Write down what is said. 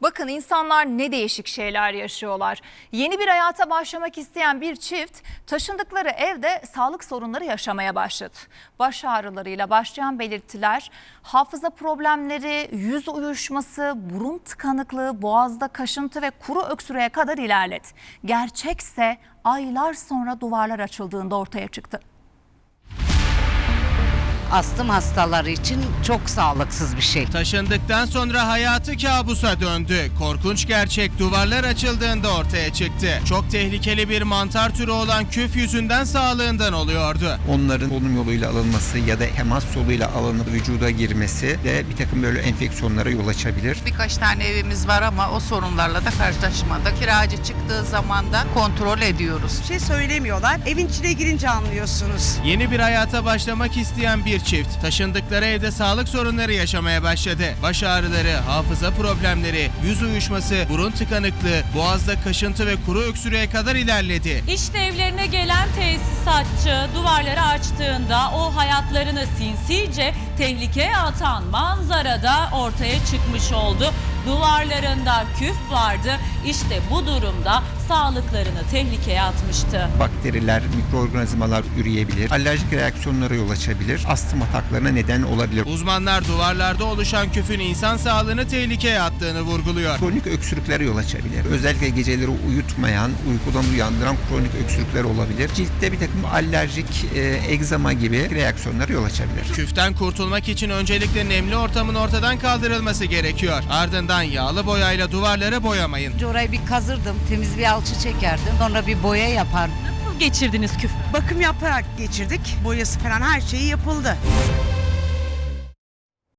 Bakın insanlar ne değişik şeyler yaşıyorlar. Yeni bir hayata başlamak isteyen bir çift taşındıkları evde sağlık sorunları yaşamaya başladı. Baş ağrılarıyla başlayan belirtiler hafıza problemleri, yüz uyuşması, burun tıkanıklığı, boğazda kaşıntı ve kuru öksürüğe kadar ilerledi. Gerçekse aylar sonra duvarlar açıldığında ortaya çıktı. Astım hastaları için çok sağlıksız bir şey. Taşındıktan sonra hayatı kabusa döndü. Korkunç gerçek duvarlar açıldığında ortaya çıktı. Çok tehlikeli bir mantar türü olan küf yüzünden sağlığından oluyordu. Onların solunum yoluyla alınması ya da temas yoluyla alınıp vücuda girmesi de bir takım böyle enfeksiyonlara yol açabilir. Birkaç tane evimiz var ama o sorunlarla da karşılaşmadık. Kiracı çıktığı zaman da kontrol ediyoruz. Bir şey söylemiyorlar. Evin içine girince anlıyorsunuz. Yeni bir hayata başlamak isteyen bir çift taşındıkları evde sağlık sorunları yaşamaya başladı. Baş ağrıları, hafıza problemleri, yüz uyuşması, burun tıkanıklığı, boğazda kaşıntı ve kuru öksürüğe kadar ilerledi. İşte evlerine gelen tesisatçı duvarları açtığında o hayatlarını sinsice tehlikeye atan manzara da ortaya çıkmış oldu. Duvarlarında küf vardı. İşte bu durumda sağlıklarını tehlikeye atmıştı. Bakteriler, mikroorganizmalar üreyebilir, alerjik reaksiyonlara yol açabilir, astım ataklarına neden olabilir. Uzmanlar duvarlarda oluşan küfün insan sağlığını tehlikeye attığını vurguluyor. Kronik öksürüklere yol açabilir. Özellikle geceleri uyutmayan, uykudan uyandıran kronik öksürükler olabilir. Ciltte bir takım alerjik, egzama gibi reaksiyonlara yol açabilir. Küften kurtulmak için öncelikle nemli ortamın ortadan kaldırılması gerekiyor. Ardından yağlı boyayla duvarları boyamayın. Orayı bir kazırdım, temiz bir alçı çekerdim. Sonra bir boya yapardım. Nasıl geçirdiniz küfü? Bakım yaparak geçirdik. Boyası falan her şeyi yapıldı.